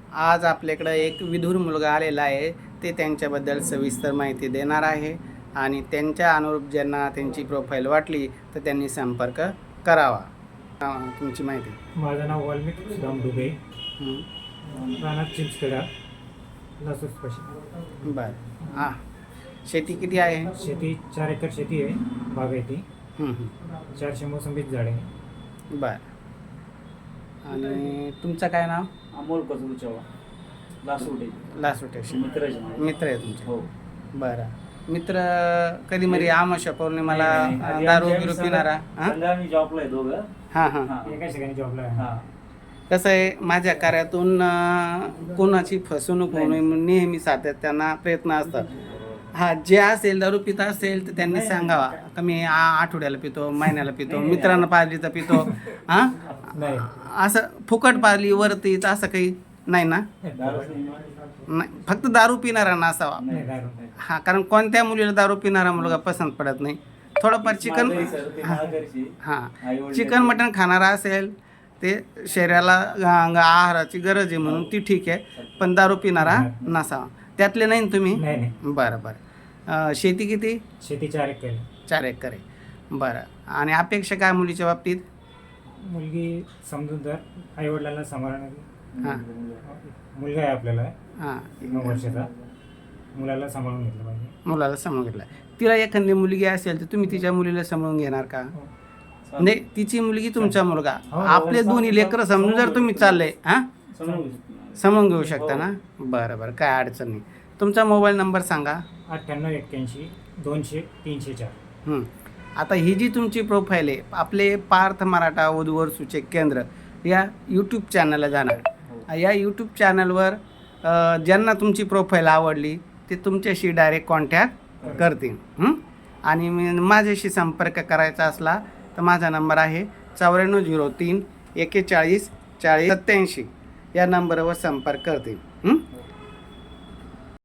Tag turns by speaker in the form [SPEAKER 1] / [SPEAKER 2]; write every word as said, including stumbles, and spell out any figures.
[SPEAKER 1] आज आपल्याकडं एक विधुर मुलगा आलेला आहे, ते त्यांच्याबद्दल सविस्तर माहिती देणार आहे आणि त्यांच्या अनुरूप ज्यांना त्यांची प्रोफाईल वाटली तर त्यांनी संपर्क करावा. हां, तुमची माहिती.
[SPEAKER 2] माझं नाव वाल्मिक सुदाम डुबे,
[SPEAKER 1] हं.
[SPEAKER 2] राहणार चिंचखेडा, लासूर पश्चिम.
[SPEAKER 1] बरं. हां, शेती किती आहे?
[SPEAKER 2] शेती चार एकर शेती आहे, बागायती.
[SPEAKER 1] हं, हं.
[SPEAKER 2] चारशे मोसंबीच झाड आहे.
[SPEAKER 1] बरं. आणि तुमचं काय नाव?
[SPEAKER 3] अमोल कजरू चव्हाण, लासुटे.
[SPEAKER 1] लासुटे.
[SPEAKER 3] मित्र आहे माझे.
[SPEAKER 1] मित्र आहे तुमचे?
[SPEAKER 3] हो.
[SPEAKER 1] बरं. मित्र कधी मध्ये आमाशा पौर्णिमाला
[SPEAKER 3] नाही, नाही, नाही.
[SPEAKER 1] दारू
[SPEAKER 3] आधी
[SPEAKER 1] बिरू
[SPEAKER 3] आम्ही
[SPEAKER 1] पिणारा? हां
[SPEAKER 3] संध्या आम्ही जॉबला आहे दोघं.
[SPEAKER 1] हां हां.
[SPEAKER 3] हां.
[SPEAKER 2] एका ठिकाणी जॉबला आहे.
[SPEAKER 3] हां.
[SPEAKER 1] कसं आहे, माझ्या कार्यातून अं, कोणाची फसवणूक होऊ नये म्हणून नेहमी सातत्यानं प्रयत्न असतात. हा, जे असेल दारू पिता असेल तर त्यांनी सांगावा का मी आ आठवड्याला पितो, महिन्याला पितो, मित्रांना पाजली तर पितो. हां,
[SPEAKER 2] नाही.
[SPEAKER 1] असं फुकट पाजली वरती तर असं काही नाही ना?
[SPEAKER 3] दारूच नाही.
[SPEAKER 1] नाही, फक्त दारू पिणारा असावा.
[SPEAKER 2] नाही, दारू नाही.
[SPEAKER 1] हा, कारण कोणत्या मुलीला दारू पिणारा मुलगा पसंत पडत नाही. थोडंफार चिकन,
[SPEAKER 3] माझं आहे सर, ते माळकरची.
[SPEAKER 1] हां,
[SPEAKER 3] आईवडील
[SPEAKER 1] चिकन मटण खाणारा असेल ते शरीराला अं, आहाराची गरज आहे म्हणून ती ठीक आहे, पण दारू पिणारा नसावा. त्यातले नाही ना तुम्ही?
[SPEAKER 2] नाही नाही.
[SPEAKER 1] बरं बरं. अं, शेती किती?
[SPEAKER 2] शेती चार एकर आहे.
[SPEAKER 1] चार एकर आहे. बरं. आणि अपेक्षा काय मुलीच्या बाबतीत?
[SPEAKER 2] मुलगी समजूतदार, आईवडिलांना सांभाळणार.
[SPEAKER 1] हां
[SPEAKER 2] मुलगा आहे आपल्याला,
[SPEAKER 1] हां,
[SPEAKER 2] नऊ वर्षाचा. मुलाला सांभाळून घेतलं पाहिजे.
[SPEAKER 1] मुलाला समजून घेतला. तिला एखादी मुलगी असेल तर तुम्ही तिच्या मुलीला समजून घेणार का? नाही, तिची मुलगी तुमचा मुलगा,
[SPEAKER 2] हो,
[SPEAKER 1] आपले दोन्ही लेकरं समजून जर तुम्ही चालले हां
[SPEAKER 3] समजून घेऊ.
[SPEAKER 1] समजून घेऊ शकता ना? बरं बरं, काय अडचण नाही. तुमचा मोबाईल नंबर सांगा.
[SPEAKER 2] अठ्ठ्याण्णव एक्क्याऐंशी दोनशे तीनशे चार.
[SPEAKER 1] हं. आता ही जी तुमची प्रोफाईल आहे, आपले पार्थ मराठा वधूवर सूचक केंद्र या यूट्यूब चॅनलला जाणार. या यूट्यूब चॅनलवर अ, ज्यांना तुमची प्रोफाईल आवडली ते तुमच्याशी डायरेक्ट कॉन्टॅक्ट करतील. हं? आणि मी माझ्याशी संपर्क करायचा असला तर माझा नंबर आहे चौऱ्याण्णव झिरो तीन एक्केचाळीस चाळीस सत्त्याऐंशी. या नंबरवर संपर्क करतील. हं?